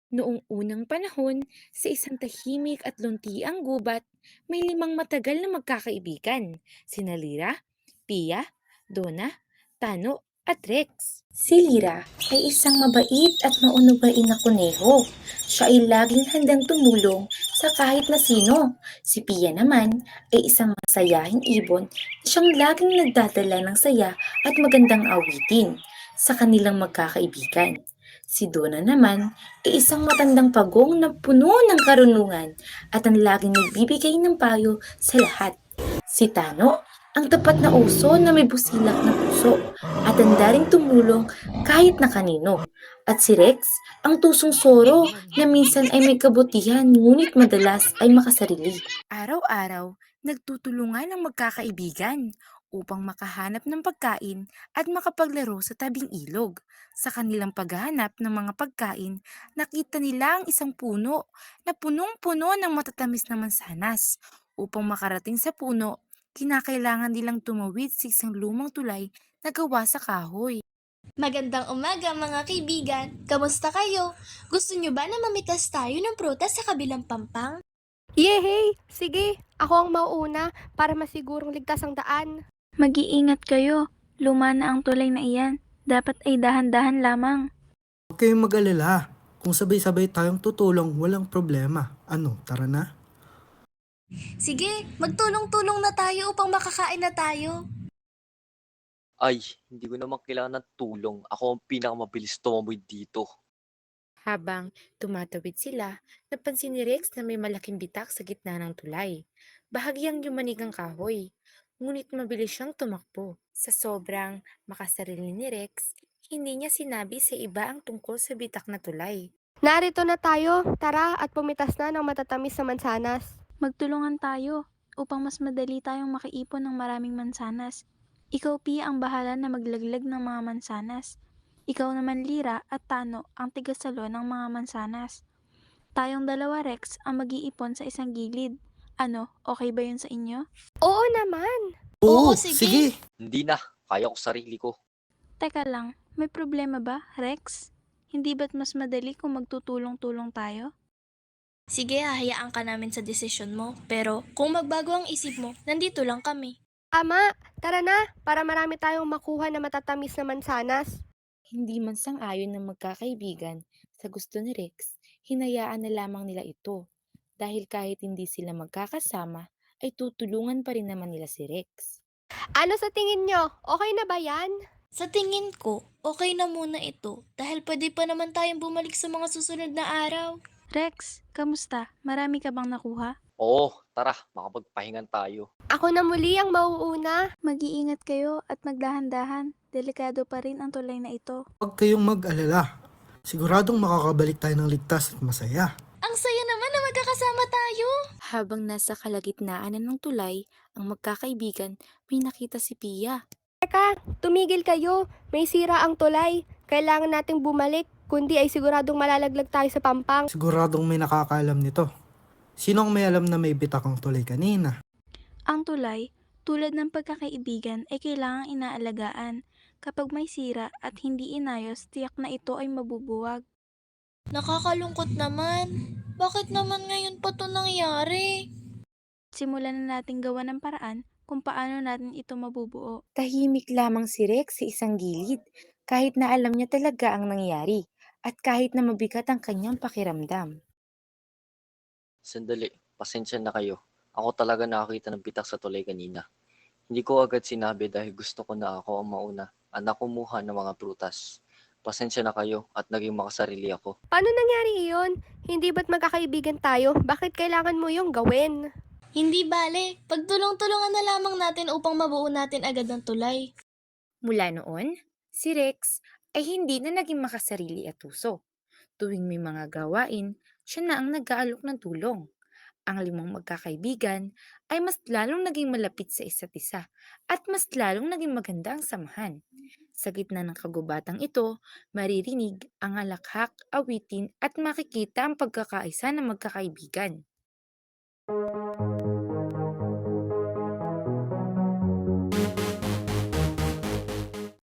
Noong unang panahon, sa isang tahimik at luntiang gubat, may limang matagal na magkakaibigan, sina Lira, Pia, Donna, Tano, at Rex. Si Lira ay isang mabait at maunugain na kuneho. Siya ay laging handang tumulong sa kahit na sino. Si Pia naman ay isang masayahing ibon na siyang laging nagdadala ng saya at magandang awitin sa kanilang magkakaibigan. Si Donna naman ay isang matandang pagong na puno ng karunungan at ang laging nagbibigay ng payo sa lahat. Si Tano, ang tapat na uso na may busilak na puso at handa ring tumulong kahit na kanino. At si Rex, ang tusong soro na minsan ay may kabutihan ngunit madalas ay makasarili. Araw-araw, nagtutulungan ang magkakaibigan upang makahanap ng pagkain at makapaglaro sa tabing ilog. Sa kanilang paghahanap ng mga pagkain, nakita nila ang isang puno na punong-puno ng matatamis na mansanas. Upang makarating sa puno, kinakailangan nilang tumawid sa isang lumang tulay na gawa sa kahoy. Magandang umaga mga kaibigan! Kamusta kayo? Gusto nyo ba na mamitas tayo ng prutas sa kabilang pampang? Yehey! Sige, ako ang mauuna para masigurong ligtas ang daan. Mag-iingat kayo. Luma na ang tulay na iyan. Dapat ay dahan-dahan lamang. Huwag kayong mag-alala. Kung sabay-sabay tayong tutulong, walang problema. Ano, tara na? Sige, magtulong-tulong na tayo upang makakain na tayo. Ay, hindi ko naman kailangan ng tulong. Ako ang pinakamabilis tumamoy dito. Habang tumatawid sila, napansin ni Rex na may malaking bitak sa gitna ng tulay. Bahagyang yumanig ang kahoy, ngunit mabilis siyang tumakbo. Sa sobrang makasarili ni Rex, hindi niya sinabi sa iba ang tungkol sa bitak na tulay. Narito na tayo, tara at pumitas na ng matatamis na mansanas. Magtulungan tayo upang mas madali tayong makaipon ng maraming mansanas. Ikaw, Pia, ang bahala na maglaglag ng mga mansanas. Ikaw naman, Lira at Tano, ang tigasalo ng mga mansanas. Tayong dalawa, Rex, ang mag-iipon sa isang gilid. Ano, okay ba yun sa inyo? Oo naman! Oo, sige! sige. Hindi na, kaya ko sarili ko. Teka lang, may problema ba, Rex? Hindi ba't mas madali kung magtutulong-tulong tayo? Sige, hahayaan ka namin sa desisyon mo. Pero kung magbago ang isip mo, nandito lang kami. Ama, tara na para marami tayong makuha na matatamis na mansanas. Hindi man sang-ayon ng magkakaibigan sa gusto ni Rex, hinayaan na lamang nila ito. Dahil kahit hindi sila magkakasama, ay tutulungan pa rin naman nila si Rex. Ano sa tingin nyo? Okay na ba yan? Sa tingin ko, okay na muna ito dahil pwede pa naman tayong bumalik sa mga susunod na araw. Rex, kamusta? Marami ka bang nakuha? Oo, tara, makapagpahingan tayo. Ako na muli ang mauuna. Mag-iingat kayo at magdahan-dahan. Delikado pa rin ang tulay na ito. Huwag kayong mag-alala. Siguradong makakabalik tayo ng ligtas at masaya. Ang saya naman na magkakasama tayo! Habang nasa kalagitnaan na ng tulay, ang magkakaibigan, may nakita si Pia. Teka, tumigil kayo. May sira ang tulay. Kailangan nating bumalik, kundi ay siguradong malalaglag tayo sa pampang. Siguradong may nakakaalam nito. Sino ang may alam na may bitak ang tulay kanina? Ang tulay, tulad ng pagkakaibigan, ay kailangang inaalagaan. Kapag may sira at hindi inayos, tiyak na ito ay mabubuwag. Nakakalungkot naman. Bakit naman ngayon pa to nangyari? Simulan na natin gawa ng paraan kung paano natin ito mabubuo. Tahimik lamang si Rex sa isang gilid, kahit na alam niya talaga ang nangyari, at kahit na mabigat ang kanyang pakiramdam. Sandali, pasensya na kayo. Ako talaga nakakita ng bitak sa tulay kanina. Hindi ko agad sinabi dahil gusto ko na ako ang mauna at nakumuha ng mga prutas. Pasensya na kayo at naging makasarili ako. Paano nangyari iyon? Hindi ba't magkakaibigan tayo? Bakit kailangan mo yung gawin? Hindi bale, pagtulong-tulungan na lamang natin upang mabuo natin agad ang tulay. Mula noon, si Rex ay hindi na naging makasarili at uso. Tuwing may mga gawain, siya na ang nag-aalok ng tulong. Ang limang magkakaibigan ay mas lalong naging malapit sa isa't isa at mas lalong naging maganda ang samahan. Sa gitna ng kagubatang ito, maririnig ang halakhak, awitin at makikita ang pagkakaisa ng magkakaibigan.